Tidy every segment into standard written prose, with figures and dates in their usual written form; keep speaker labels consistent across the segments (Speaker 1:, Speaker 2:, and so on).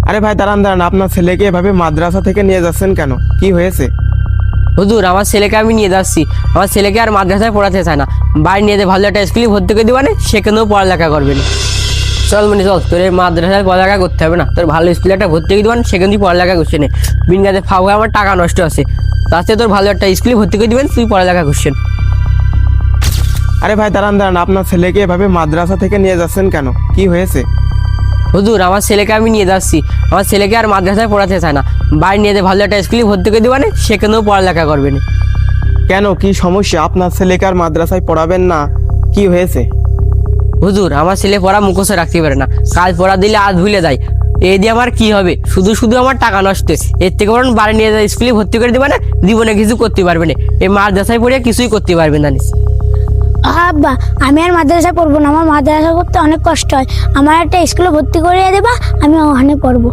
Speaker 1: আরে ভাই দাঁড়ান দাঁড়ান, আপনার ছেলেকে এভাবে মাদ্রাসা থেকে নিয়ে যাচ্ছেন কেন? কি হয়েছে?
Speaker 2: হুজুর, আমার ছেলেকে আমি নিয়ে যাচ্ছি। আমার ছেলেকে আর মাদ্রাসায় পড়াতে চায় না, বাড়ি নিয়ে ভালো একটা স্কুলে ভর্তি করে দিবানে, সেখানেও পড়ালেখা করবে না। চল মনি চল, তোর এই মাদ্রাসায় পড়ালেখা করতে হবে না, তোর ভালো স্কুলে একটা ভর্তি করে দিবেন, সেখানে তুই পড়ালেখা করছে না। বিন গাছে ফাও হয়ে আমার টাকা নষ্ট আছে, তাতে তোর ভালো একটা স্কুলে ভর্তি করে দিবেন, তুই পড়ালেখা করছেন।
Speaker 1: আরে ভাই দাঁড়ান দাঁড়ান, আপনার ছেলেকে এভাবে মাদ্রাসা থেকে নিয়ে যাচ্ছেন কেন? কি হয়েছে?
Speaker 2: হুজুর, আমার ছেলেকে আমি নিয়ে যাচ্ছি। আমার ছেলেকে আর মাদ্রাসায় পড়াতে চায় না, বাড়ি নিয়ে ভালো একটা স্কুলে ভর্তি করে দিবানে, সেখানেও পড়ালেখা করবে না।
Speaker 1: কেন, কি সমস্যা? আপনার ছেলেকে আর মাদ্রাসায় পড়াবেন না? কি হয়েছে?
Speaker 2: হুজুর, আমার ছেলে পড়া মুখস্থ রাখতে পারে না, কাজ পড়া দিলে আজ ভুলে যায়। এই দিয়ে আমার কি হবে? শুধু শুধু আমার টাকা নষ্ট। এর থেকে বরং বাড়ি নিয়ে যায় স্কুলে ভর্তি করে দিবা না, জীবনে কিছু করতে পারবে না। এই মাদ্রাসায় পড়ে কিছুই করতে পারবে না।
Speaker 3: আব্বা, আমি আর মাদ্রাসা পড়বো না, আমার মাদ্রাসা করতে অনেক কষ্ট হয়। আমার একটা স্কুলে ভর্তি করিয়ে দেবা, আমি ওখানে পড়বো।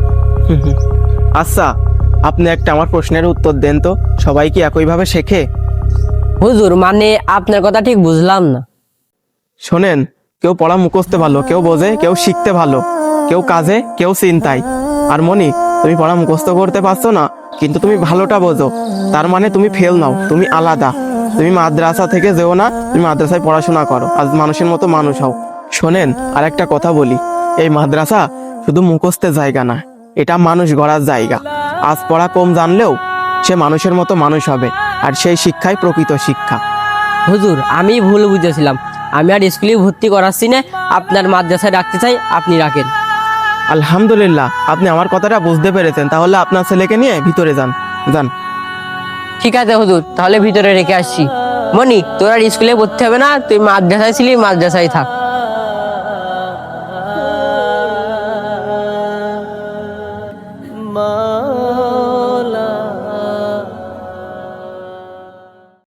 Speaker 1: আচ্ছা, আপনি একটা আমার প্রশ্নের উত্তর দেন তো, সবাই কি একইভাবে শেখে?
Speaker 2: হুজুর, মানে আপনার কথা ঠিক বুঝলাম না।
Speaker 1: শোনেন, কেউ পড়া মুখস্থে ভালো, কেউ বোঝে, কেউ শিখতে ভালো, কেউ কাজে, কেউ চিন্তায়। আর মনি, তুমি পড়া মুখস্থ করতে পারছো না, কিন্তু তুমি ভালোটা বোঝো, তার মানে তুমি ফেল নাও, তুমি আলাদা। তুমি মাদ্রাসা থেকে যেও না, তুমি মাদ্রাসায় পড়াশোনা করো, আজ মানুষের মতো মানুষ হও। শোনেন, আর একটা কথা বলি, এই মাদ্রাসা শুধু মুখস্থের জায়গা না, এটা মানুষ গড়ার জায়গা। আজ পড়া কম জানলেও সে মানুষের মতো মানুষ হবে, আর সেই শিক্ষাই প্রকৃত শিক্ষা।
Speaker 2: হুজুর, আমি ভুল বুঝেছিলাম, আমি আর স্কুলে ভর্তি করাচ্ছি না, আপনার মাদ্রাসায় রাখতে চাই, আপনি রাখেন।
Speaker 1: আলহামদুলিল্লাহ, আপনি আমার কথাটা বুঝতে পেরেছেন। তাহলে আপনার ছেলেকে নিয়ে ভিতরে যান, যান।
Speaker 2: ঠিক আছে হুজুর, তাহলে ভিতরে রেখে আসছি। মনি, তোর আর স্কুলে পড়তে হবে না, তুই মাদ্রাসায় ছিলি, মাদ্রাসায় থাক।
Speaker 4: মা